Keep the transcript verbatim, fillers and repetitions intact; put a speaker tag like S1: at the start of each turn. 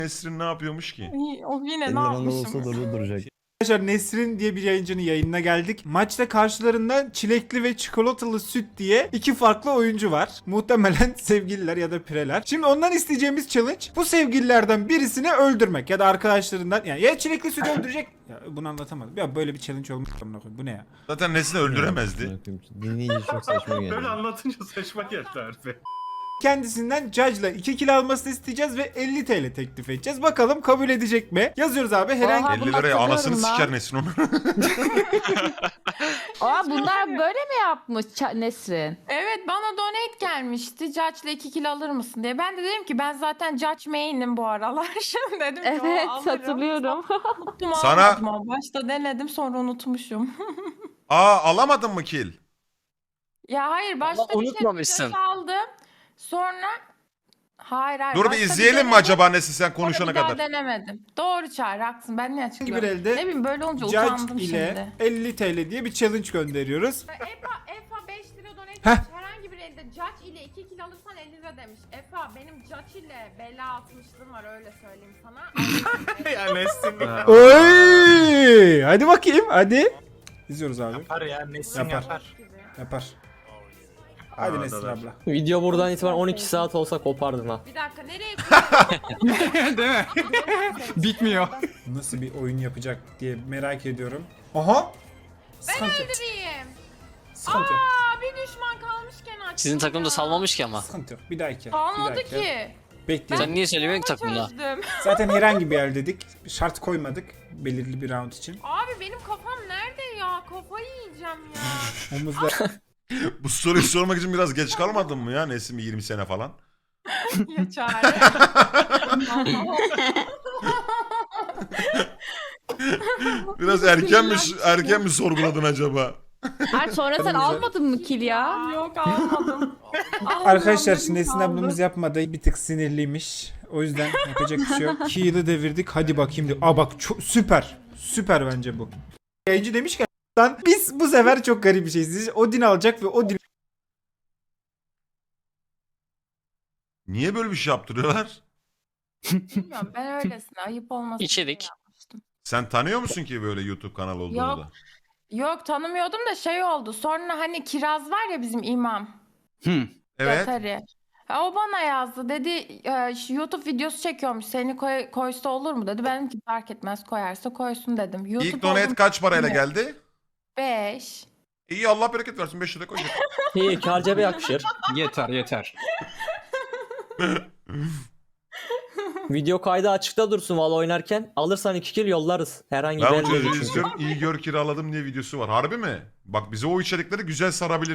S1: Nesrin ne yapıyormuş ki?
S2: İyi, o yine
S3: elli
S2: ne
S3: liranda
S2: yapmışım?
S3: olsa durdu duracak.
S4: Arkadaşlar Nesrin diye bir yayıncının yayınına geldik. Maçta karşılarında çilekli ve çikolatalı süt diye iki farklı oyuncu var. Muhtemelen sevgililer ya da pireler. Şimdi ondan isteyeceğimiz challenge bu sevgililerden birisini öldürmek ya da arkadaşlarından, yani ya çilekli süt öldürecek. Ya bunu anlatamadım. Ya böyle bir challenge olmuş. Bu ne ya?
S1: Zaten Nesrin öldüremezdi.
S3: Dinleyince çok saçma geldi.
S5: Böyle anlatınca saçma geldi harbi.
S4: Kendisinden Judge'la iki kill almasını isteyeceğiz ve elli TL teklif edeceğiz. Bakalım kabul edecek mi? Yazıyoruz abi herhangi
S2: Oha.
S1: elli
S2: bunu
S1: liraya anasını
S2: hatırlıyorum
S1: siker
S2: lan.
S1: Nesrin onu.
S6: Aa bunlar böyle mi yapmış Ça- Nesrin?
S2: Evet, bana donate gelmişti. Judge'la iki kilo alır mısın diye. Ben de dedim ki ben zaten Judge main'im bu aralar. Şimdi dedim ki
S6: Evet
S2: o alırım.
S6: hatırlıyorum.
S2: Unuttum,
S1: Sana-
S2: almadım ama. Başta denedim sonra unutmuşum.
S1: Aa alamadın mı kill?
S2: Ya hayır, başta bir
S7: unutmamışsın.
S2: şey aldım. Sonra hayır hayır.
S1: Dur bir
S2: başta
S1: izleyelim mi
S2: denedim,
S1: acaba Nesrin sen
S2: sonra
S1: konuşana
S2: bir daha
S1: kadar?
S2: denemedim. Doğru Çağrı, haklısın. Ben ne açıklıyorum?
S4: bir elde
S2: Ne bileyim, böyle olunca utandım
S4: Judge ile
S2: şimdi.
S4: elli TL diye bir challenge gönderiyoruz.
S8: Efa, Efa beş lira donate
S4: Heh.
S8: etmiş. Herhangi bir elde Judge ile iki kilo alırsan elli lira demiş. Efa benim Judge ile bela atmışlığım var, öyle söyleyeyim sana.
S5: ya Nesrin
S4: Oy! Hadi bakayım hadi. İzliyoruz abi.
S5: yapar ya, Nesrin
S4: Yapar.
S5: yapar.
S4: Yapar. Hadi
S5: Aa,
S4: Nesrin
S5: da-
S4: abla.
S3: Video buradan itibaren on iki saat olsa kopardın ha.
S8: Bir dakika, nereye koyuyorsun?
S5: Değil mi? Bitmiyor.
S4: Nasıl bir oyun yapacak diye merak ediyorum. Aha!
S8: Ben
S4: Sıkıntı yok.
S8: öldüreyim.
S4: Sıkıntı yok.
S8: Aa, bir düşman kalmışken açtım.
S7: Sizin takım da salmamış ki ama.
S4: Sıkıntı yok. Bir dahaki. bir
S2: Kalmadı
S4: dahaki.
S2: ki.
S4: Bekleyelim.
S7: Sen niye söylemiyorsun ki takımda?
S2: Çözdüm.
S4: Zaten herhangi bir yer dedik. Şart koymadık belirli bir round için.
S8: Abi benim kafam nerede ya? Kafayı yiyeceğim ya.
S4: Omuzda
S1: Bu soruyu sormak için biraz geç kalmadın mı ya Nesrin bir yirmi sene falan?
S2: Ya Çağrı.
S1: Biraz erken mi erken mi sorguladın acaba?
S6: Ay sonra sen almadın mı kill ya?
S2: Yok, almadım.
S4: Arkadaşlar
S2: Almadım,
S4: şimdi Esin
S2: kaldı.
S4: ablamız yapmadı. Bir tık sinirliymiş. O yüzden yapacak bir şey yok. Kill'ı devirdik. Hadi bakayım diyor. Aa bak çok süper. Süper bence bu. Yayıncı demiş ki lan biz bu sefer çok garip bir şey izleyeceğiz. Odin alacak ve Odin
S1: Niye böyle bir şey yaptırıyorlar?
S2: Bilmiyorum, ben öylesine ayıp olmasın
S7: İçerik.
S2: diye yapmıştım.
S1: Sen tanıyor musun ki böyle YouTube kanalı olduğunu
S2: Yok.
S1: da?
S2: Yok, tanımıyordum da şey oldu. Sonra hani Kiraz var ya, bizim imam.
S1: Evet.
S2: Yatari. Ha, o bana yazdı. Dedi e, şu YouTube videosu çekiyormuş. Seni koy, koysa olur mu dedi. Benim ki fark etmez, koyarsa koysun dedim. YouTube
S1: İlk donate kaç parayla geldi?
S2: beş.
S1: İyi Allah bereket versin beş lira koy.
S3: İyi kar cebe yakışır.
S5: Yeter yeter.
S3: Video kaydı açıkta dursun valla oynarken. Alırsan iki kill yollarız. Herhangi
S1: Ben
S3: bir
S1: o
S3: elde
S1: çocuğu
S3: çünkü.
S1: izliyorum. İyi gör kiraladım diye videosu var. Harbi mi? Bak bize o içerikleri güzel sarabilir.